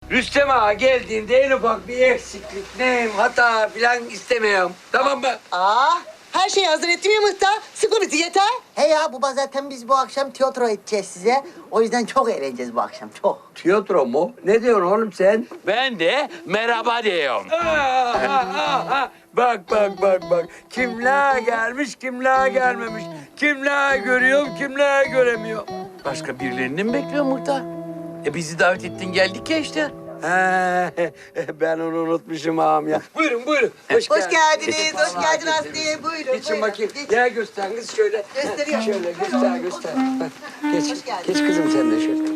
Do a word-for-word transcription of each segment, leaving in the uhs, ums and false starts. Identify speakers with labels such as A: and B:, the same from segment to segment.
A: Rüstem Ağa geldiğinde en ufak bir eksiklik, neyim, hata falan istemiyorum. Tamam mı?
B: Aa, her şeyi hazır ettim ya Mıhtar. Sıkı bizi yeter.
C: He ya baba zaten biz bu akşam tiyatro edeceğiz size. O yüzden çok eğleneceğiz bu akşam çok.
A: Tiyatro mu? Ne diyorsun oğlum sen?
D: Ben de merhaba diyorum.
A: Aa, aa, aa, aa. Bak bak bak bak. Kimler gelmiş, kimler gelmemiş. Kimler görüyorum, kimler göremiyorum.
D: Başka birilerini mi bekliyor Muhtar? E bizi davet ettin geldik ya işte.
A: He, ben onu unutmuşum ağam ya. Buyurun buyurun.
B: Hoş geldiniz, hoş
A: Vallahi
B: geldin
A: getirdim.
B: Aslı'ya. Buyurun,
A: Geçin
B: buyurun.
A: bakayım.
B: Geç.
A: Gel göster kız şöyle.
B: Gösteriyorum.
A: Şöyle göster göster. Bak, geç.
B: Hoş geldin.
A: Geç kızım sen de şöyle.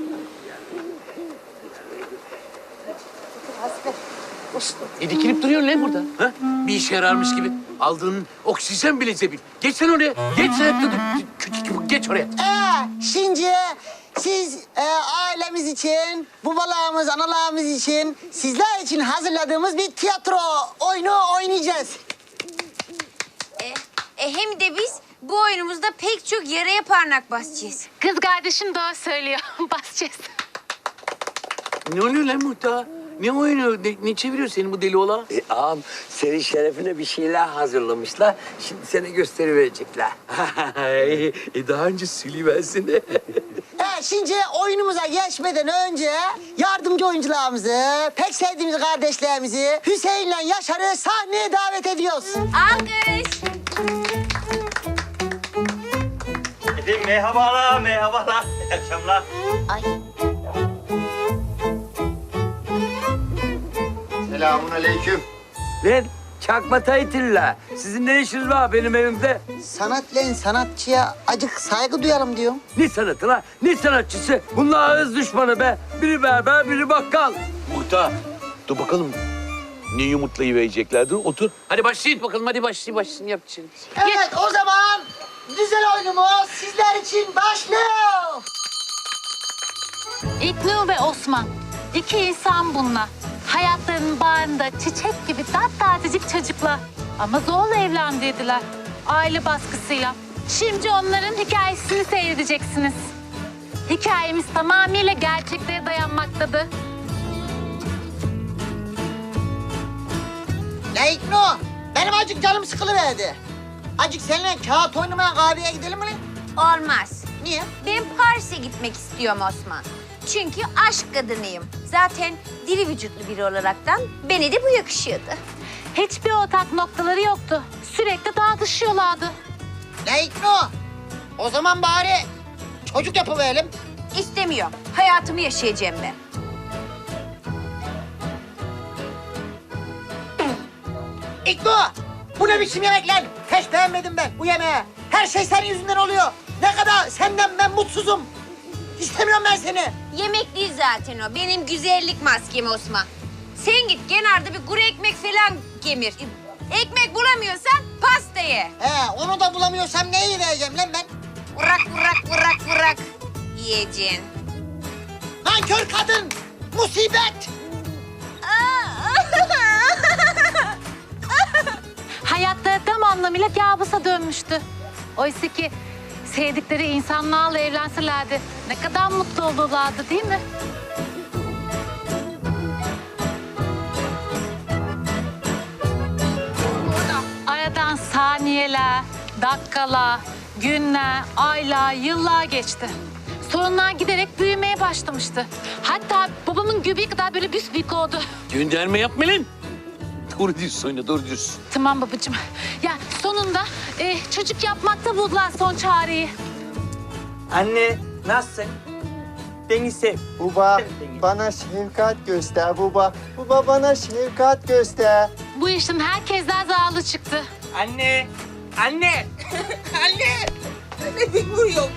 D: E dikilip duruyorsun lan burada. Ha? Bir işe yararmış gibi. Aldığın oksijen bile zebil. Geç sen oraya. Geç sen. Dur, dur, Küçük geç oraya.
C: Ee, şimdi siz e, ailemiz için, babalarımız, analarımız için, sizler için hazırladığımız bir tiyatro oyunu oynayacağız.
E: E, e, hem de biz bu oyunumuzda pek çok yaraya parmak basacağız.
F: Kız kardeşim doğru söylüyor. Basacağız.
D: Ne oluyor lan Muhtar? Ne oynuyor? Ne, ne çeviriyor senin bu deli ola?
A: E, ağam senin şerefine bir şeyler hazırlamışlar. Şimdi sana gösteriverecekler.
D: e daha önce söyleyiversene.
C: Ee, şimdi oyunumuza geçmeden önce yardımcı oyuncularımızı, pek sevdiğimiz kardeşlerimizi Hüseyin'le Yaşar'ı sahneye davet ediyoruz.
E: Alkış.
G: Efendim merhabalar, merhabalar. İyi akşamlar.
E: Ay.
G: Selamun aleyküm.
A: Lan çakma taytilla. Sizin ne işiniz var benim evimde?
C: Sanatla sanatçıya acık saygı duyalım diyorum.
A: Ne sanatı la? Ne sanatçısı? Bunlar ağız düşmanı be. Biri berber, biri bakkal.
D: Muhtar, dur bakalım. Ne yumurtlayıvereceklerdi? Otur. Hadi başlayın bakalım. Hadi başlayın, başlayın. Yap şimdi.
C: Evet o zaman güzel oyunumuz sizler için başlıyor.
F: İlknur ve Osman. İki insan bunlar. Hayatlarının bağrında çiçek gibi tatlacık çocuklar. Ama zorla evlendirdiler. Aile baskısıyla. Şimdi onların hikayesini seyredeceksiniz. Hikayemiz tamamıyla gerçeklere dayanmaktadır.
C: Ne İkno? Benim acık canım sıkılıverdi. Acık seninle kağıt oynamaya kahveye gidelim mi lan?
E: Olmaz.
C: Niye?
E: Ben Paris'e gitmek istiyorum Osman. Çünkü aşk kadınıyım. Zaten diri vücutlu biri olaraktan bana de bu yakışıyordu.
F: Hiçbir ortak noktaları yoktu. Sürekli tartışıyorlardı.
C: Ne İkno? O zaman bari çocuk yapıverelim.
E: İstemiyorum. Hayatımı yaşayacağım ben.
C: İkno! Bu ne biçim yemek lan? Hiç beğenmedim ben bu yemeği. Her şey senin yüzünden oluyor. Ne kadar senden ben mutsuzum. İstemiyorum ben seni.
E: Yemek değil zaten o. Benim güzellik maskem Osman. Sen git kenarda bir kuru ekmek falan kemir. Ekmek bulamıyorsan pasta ye.
C: He, onu da bulamıyorsam neyi vereceğim lan ben?
E: Vurak vurak vurak vurak yiyeceksin.
C: Nankör kadın! Musibet!
F: Hayatları tam anlamıyla kabusa dönmüştü. Oysa ki sevdikleri insanlarla evlenselerdi ne kadar mutlu olurlardı değil mi? Aradan saniyeler, dakikalar, günler, aylar, yıllar geçti. Sorunlar giderek büyümeye başlamıştı. Hatta babamın göbeği kadar böyle büsbük oldu.
D: Gönderme yapma lan. Doğru diyorsun oyna, doğru diyorsun.
F: Tamam babacığım. Ya sonunda e, çocuk yapmakta buldular son çareyi.
G: Anne, nasılsın? Beni sev.
H: Baba
G: Sev beni.
H: bana şefkat göster baba. Baba bana şefkat göster.
F: Bu işin herkesten zararlı çıktı.
G: Anne, anne.
B: Anne! Ne dik vuruyor?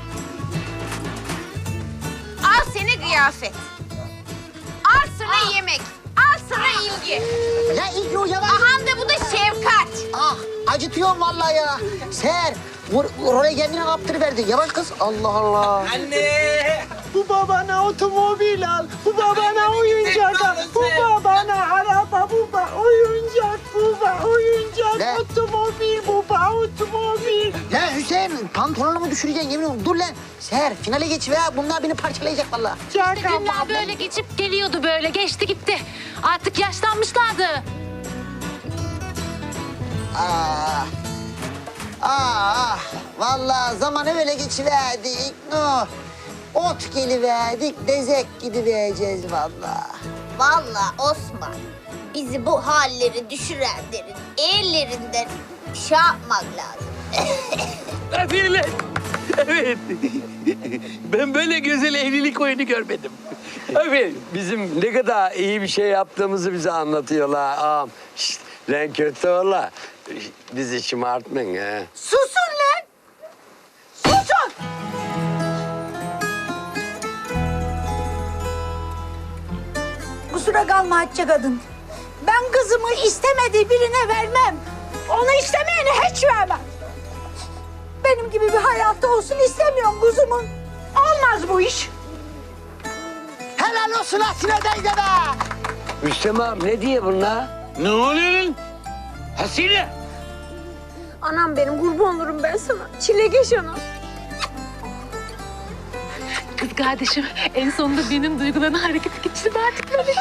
E: Al seni kıyafet. Al sana yemek. Al sana ilgi.
C: Ya İkno yavaş.
E: Aha da bu da şefkat.
C: Ah, acıtıyorum vallahi ya. Ser, bu oraya kendine kaptırıverdi. Yavaş kız. Allah Allah.
G: Anne.
H: Baba bana otomobil al. Baba bana oyuncak al. Baba bana araba. Baba oyuncak. Baba oyuncak.
C: Ne?
H: Otomobil baba otomobil.
C: Ya Hüseyin, pantolonumu düşüreceksin yemin ediyorum. Dur lan. Seher finale geç ve bunlar beni parçalayacak vallahi.
F: Günler böyle geçip geliyordu böyle. Geçti gitti. Artık yaşlanmışlardı.
C: Ah. Ah. Vallahi zamanı öyle geçiverdik. No. Ot geliverdik, dezek gidivereceğiz vallahi.
E: Vallahi Osman, bizi bu halleri düşürenlerin ellerinden şey yapmak lazım.
D: Aferin lan. Evet. Ben böyle güzel evlilik oyunu görmedim.
A: Aferin. Bizim ne kadar iyi bir şey yaptığımızı bize anlatıyorlar ağam. Şşt, lan kötü ola. Bizi şımartmayın ha.
B: Susun lan! Susun! Kusura kalma Hatice kadın. Ben kızımı istemediği birine vermem. Onu istemeyene hiç vermem. Benim gibi bir hayatta olsun istemiyorum kızımın. Olmaz bu iş.
C: Helal olsun Asile teyze be.
A: Rüstem ağam ne diye bunlar?
D: Ne oluyor lan? Hasile.
E: Anam benim, kurban olurum ben sana. Çilegeç anam.
F: Kız kardeşim en sonunda benim duygularını harekete geçirme artık böylece.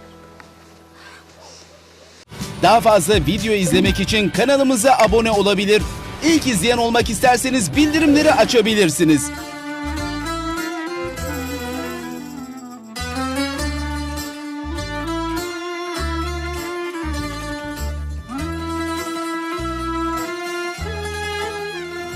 I: Daha fazla video izlemek için kanalımıza abone olabilir. İlk izleyen olmak isterseniz bildirimleri açabilirsiniz.